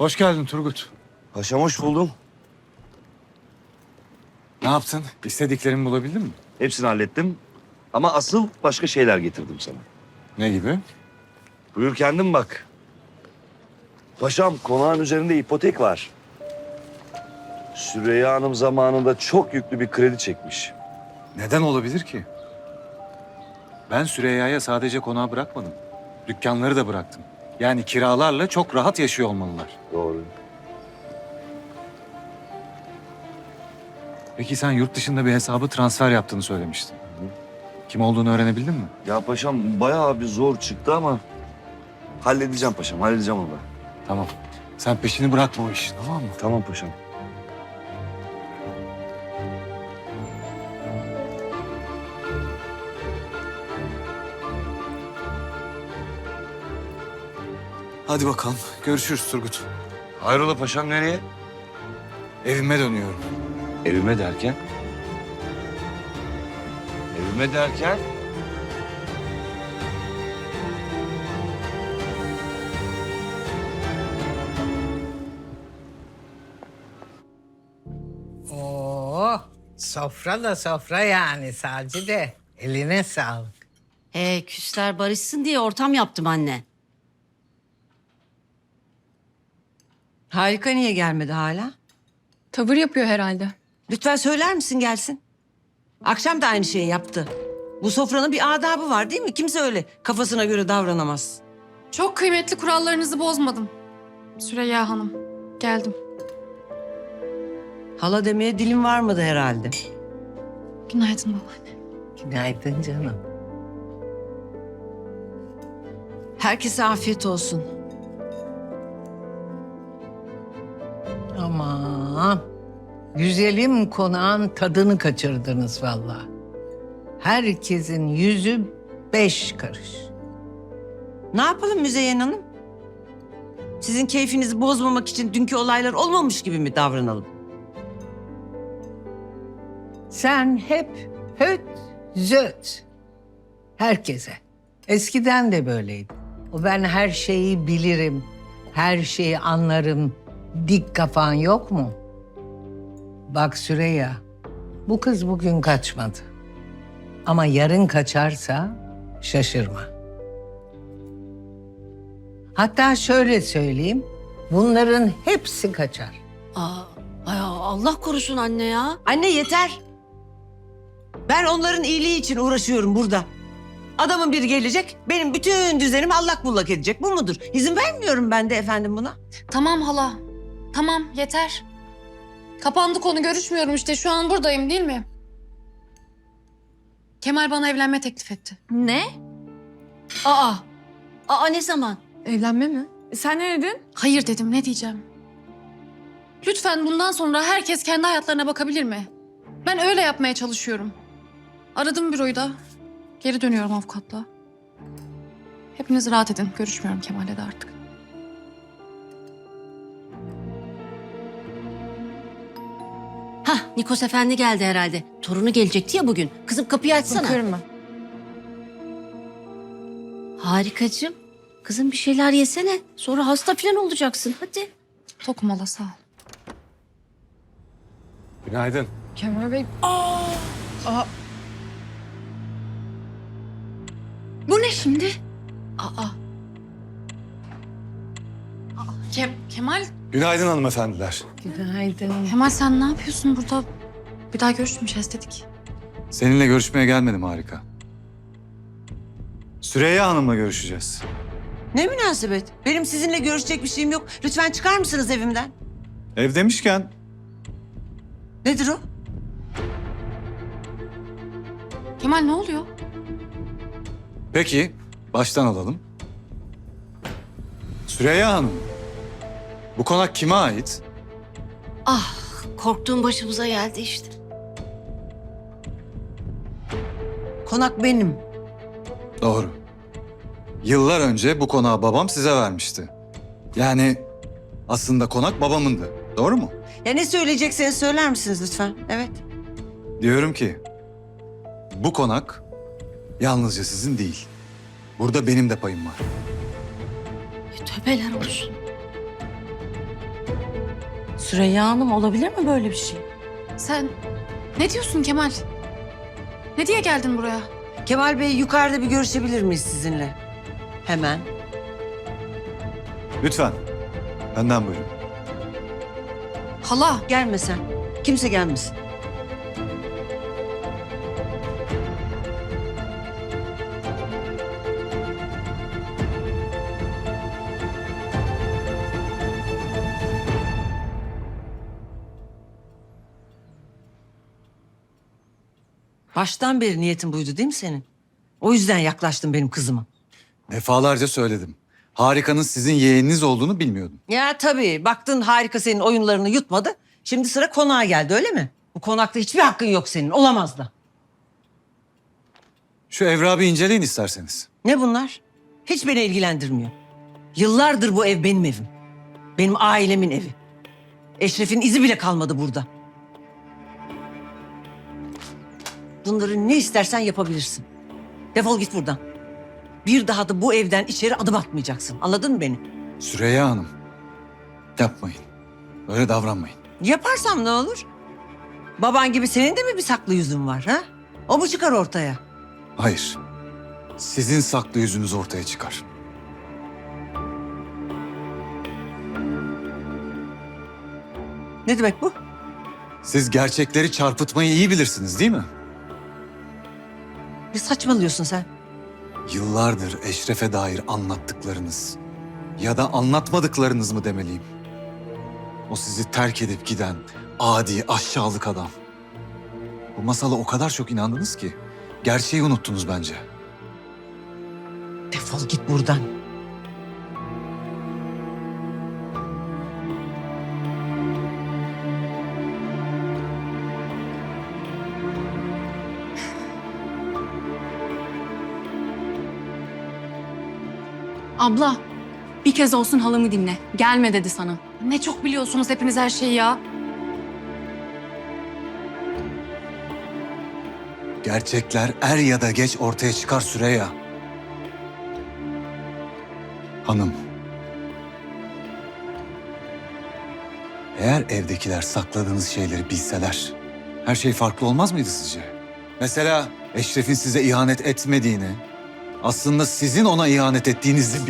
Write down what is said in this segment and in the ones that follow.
Hoş geldin Turgut. Paşam hoş buldum. Ne yaptın? İstediklerimi bulabildin mi? Hepsini hallettim. Ama asıl başka şeyler getirdim sana. Ne gibi? Buyur kendin bak. Paşam konağın üzerinde ipotek var. Süreyya Hanım zamanında çok yüklü bir kredi çekmiş. Neden olabilir ki? Ben Süreyya'ya sadece konağı bırakmadım. Dükkanları da bıraktım. Yani kiralarla çok rahat yaşıyor olmalılar. Doğru. Peki sen yurt dışında bir hesabı transfer yaptığını söylemiştin. Kim olduğunu öğrenebildin mi? Ya paşam bayağı bir zor çıktı ama halledeceğim paşam, halledeceğim onu da. Tamam. Sen peşini bırakma o işin, tamam mı? Tamam paşam. Hadi bakalım. Görüşürüz Turgut. Hayrola paşam nereye? Evime dönüyorum. Evime derken? Evime derken? Oo, sofra da sofra yani Sacide. Eline sağlık. Küsler barışsın diye ortam yaptım anne. Harika niye gelmedi hala? Tavır yapıyor herhalde. Lütfen söyler misin gelsin? Akşam da aynı şeyi yaptı. Bu sofranın bir adabı var değil mi? Kimse öyle kafasına göre davranamaz. Çok kıymetli kurallarınızı bozmadım. Süreyya Hanım, geldim. Hala demeye dilim varmadı herhalde. Günaydın babaanne. Günaydın canım. Herkese afiyet olsun. Aman. Güzelim konağın tadını kaçırdınız vallahi. Herkesin yüzü 5 karış. Ne yapalım Müzeyyen Hanım? Sizin keyfinizi bozmamak için dünkü olaylar olmamış gibi mi davranalım? Sen hep höt zöt. Herkese. Eskiden de böyleydi. O ben her şeyi bilirim, her şeyi anlarım. Dik kafan yok mu? Bak Süreyya, bu kız bugün kaçmadı. Ama yarın kaçarsa şaşırma. Hatta şöyle söyleyeyim, bunların hepsi kaçar. Allah korusun anne ya. Anne yeter. Ben onların iyiliği için uğraşıyorum burada. Adamın biri gelecek, benim bütün düzenimi allak bullak edecek. Bu mudur? İzin vermiyorum ben de efendim buna. Tamam hala. Tamam, yeter. Kapandı konu, görüşmüyorum işte. Şu an buradayım değil mi? Kemal bana evlenme teklif etti. Ne? Aa ne zaman? Evlenme mi? Sen ne dedin? Hayır dedim, ne diyeceğim? Lütfen bundan sonra herkes kendi hayatlarına bakabilir mi? Ben öyle yapmaya çalışıyorum. Aradım büroyu da. Geri dönüyorum avukatla. Hepiniz rahat edin. Görüşmüyorum Kemal'le de artık. Nikos Efendi geldi herhalde. Torunu gelecekti ya bugün. Kızım kapıyı açsana. Bakıyorum ben. Harikacığım. Kızım bir şeyler yesene. Sonra hasta falan olacaksın. Hadi. Tokum hala, sağ ol. Günaydın. Kemal Bey. Bu ne şimdi? Kemal, Günaydın hanımefendiler. Günaydın. Kemal sen ne yapıyorsun burada? Bir daha görüşmeyeceğiz dedik. Seninle görüşmeye gelmedim Harika. Süreyya Hanım'la görüşeceğiz. Ne münasebet? Benim sizinle görüşecek bir şeyim yok. Lütfen çıkar mısınız evimden? Ev demişken Nedir o? Kemal ne oluyor? peki baştan alalım. Süreyya Hanım, bu konak kime ait? Korktuğum başımıza geldi işte. Konak benim. Doğru. Yıllar önce bu konağı babam size vermişti. Yani aslında konak babamındı. Doğru mu? Ya ne söyleyecekseniz söyler misiniz lütfen? Evet. Diyorum ki bu konak yalnızca sizin değil. Burada benim de payım var. Tövbeler olsun. Süreyya Hanım, olabilir mi böyle bir şey? Sen ne diyorsun Kemal? Ne diye geldin buraya? Kemal Bey, yukarıda bir görüşebilir miyiz sizinle? Hemen. Lütfen. Benden buyurun. Hala. Gelme sen. Kimse gelmesin. Baştan beri niyetin buydu değil mi senin? O yüzden yaklaştın benim kızıma. Defalarca söyledim. Harika'nın sizin yeğeniniz olduğunu bilmiyordum. Ya tabii. Baktın Harika senin oyunlarını yutmadı. Şimdi sıra konağa geldi, öyle mi? Bu konakta hiçbir hakkın yok senin. Olamaz da. Şu evrağı bir inceleyin isterseniz. Ne bunlar? Hiç beni ilgilendirmiyor. Yıllardır bu ev benim evim. Benim ailemin evi. Eşref'in izi bile kalmadı burada. Bunları ne istersen yapabilirsin. Defol git buradan. Bir daha da bu evden içeri adım atmayacaksın. Anladın mı beni? Süreyya Hanım. Yapmayın. Öyle davranmayın. Yaparsam ne olur? Baban gibi senin de mi bir saklı yüzün var ha? O mu çıkar ortaya? Hayır. Sizin saklı yüzünüz ortaya çıkar. Ne demek bu? Siz gerçekleri çarpıtmayı iyi bilirsiniz değil mi? Ne saçmalıyorsun sen? Yıllardır Eşref'e dair anlattıklarınız ya da anlatmadıklarınız mı demeliyim? O sizi terk edip giden adi, aşağılık adam. Bu masala o kadar çok inandınız ki gerçeği unuttunuz bence. Defol git buradan. Abla, bir kez olsun halamı dinle. Gelme dedi sana. Ne çok biliyorsunuz hepiniz her şeyi ya. Gerçekler er ya da geç ortaya çıkar Süreyya. Hanım. Eğer evdekiler sakladığınız şeyleri bilseler, her şey farklı olmaz mıydı sizce? Mesela Eşref'in size ihanet etmediğini, aslında sizin ona ihanet ettiğinizi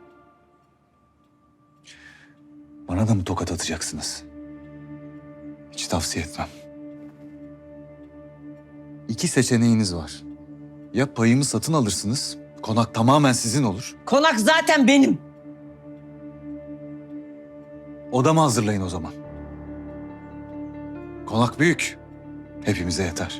Bana da mı tokat atacaksınız? Hiç tavsiye etmem. İki seçeneğiniz var. Ya payımı satın alırsınız, konak tamamen sizin olur. Konak zaten benim. Odamı hazırlayın o zaman. Konak büyük. Hepimize yeter.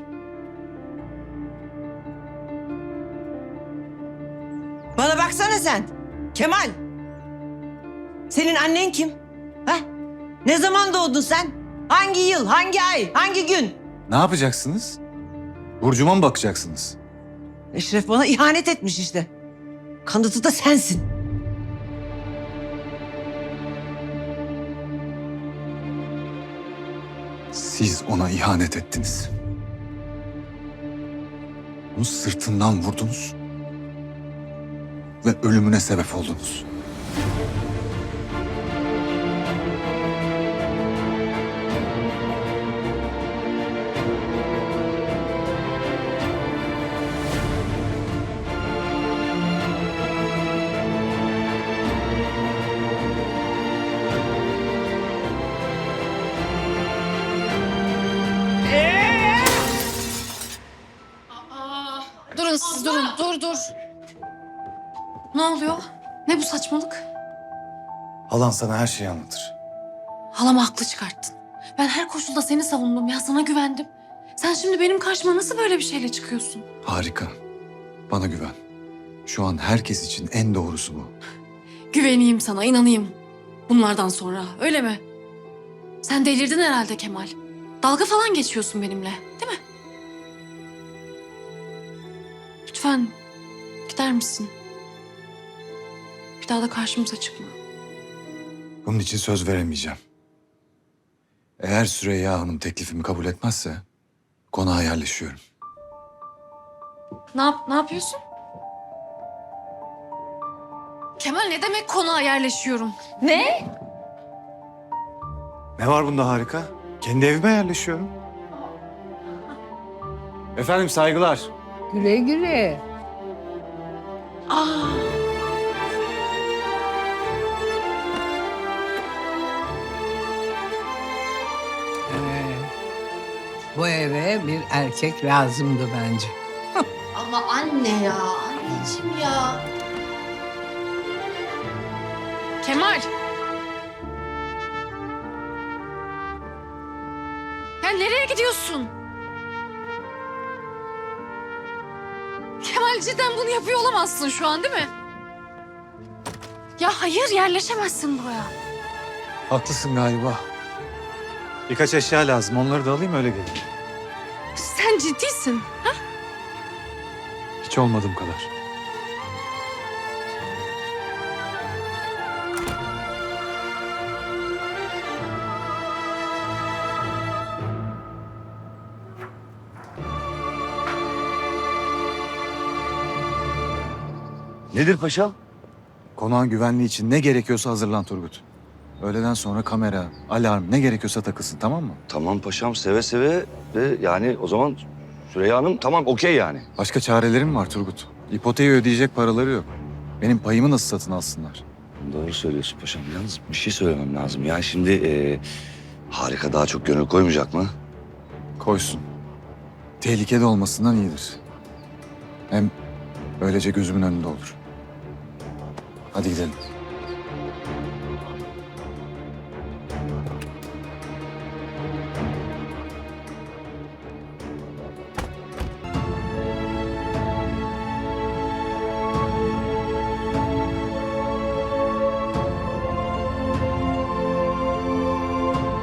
Bana baksana sen. Kemal. Senin annen kim? Ha? Ne zaman doğdun sen? Hangi yıl, hangi ay, hangi gün? Ne yapacaksınız? Burcuma mı bakacaksınız? Eşref bana ihanet etmiş işte. Kanıtı da sensin. Siz ona ihanet ettiniz. Onu sırtından vurdunuz. Ve ölümüne sebep oldunuz. Durun siz durun. Dur. Ne oluyor? Ne bu saçmalık? Halan sana her şeyi anlatır. Halamı haklı çıkarttın. Ben her koşulda seni savundum ya. Sana güvendim. Sen şimdi benim karşıma nasıl böyle bir şeyle çıkıyorsun? Harika. Bana güven. Şu an herkes için en doğrusu bu. Güveneyim sana, inanayım. Bunlardan sonra, öyle mi? Sen delirdin herhalde Kemal. Dalga falan geçiyorsun benimle, değil mi? Lütfen gider misin? Bir daha da karşımıza çıkma. Bunun için söz veremeyeceğim. Eğer Süreyya Hanım teklifimi kabul etmezse konağa yerleşiyorum. Ne yapıyorsun? Kemal ne demek konağa yerleşiyorum? Ne? Ne var bunda harika? Kendi evime yerleşiyorum. Efendim saygılar. Güle güle. Bu eve bir erkek lazımdı bence. Ama anne ya, anneciğim ya. Kemal. Ya nereye gidiyorsun? Kemal cidden bunu yapıyor olamazsın şu an değil mi? Ya hayır yerleşemezsin buraya. Haklısın galiba. Birkaç eşya lazım. Onları da alayım öyle geleyim. Sen ciddisin. Hiç olmadığım kadar. Nedir paşam? Konağın güvenliği için ne gerekiyorsa hazırlan Turgut. Öğleden sonra kamera, alarm ne gerekiyorsa takılsın, tamam mı? Tamam paşam, seve seve. Ve yani o zaman Süreyya Hanım tamam, okey yani. Başka çarelerim var Turgut. İpoteği ödeyecek paraları yok. Benim payımı nasıl satın alsınlar? Doğru söylüyorsun paşam. Yalnız bir şey söylemem lazım. Ya şimdi Harika daha çok gönül koymayacak mı? Koysun. Tehlikede olmasından iyidir. Hem böylece gözümün önünde olur. Hadi gidelim.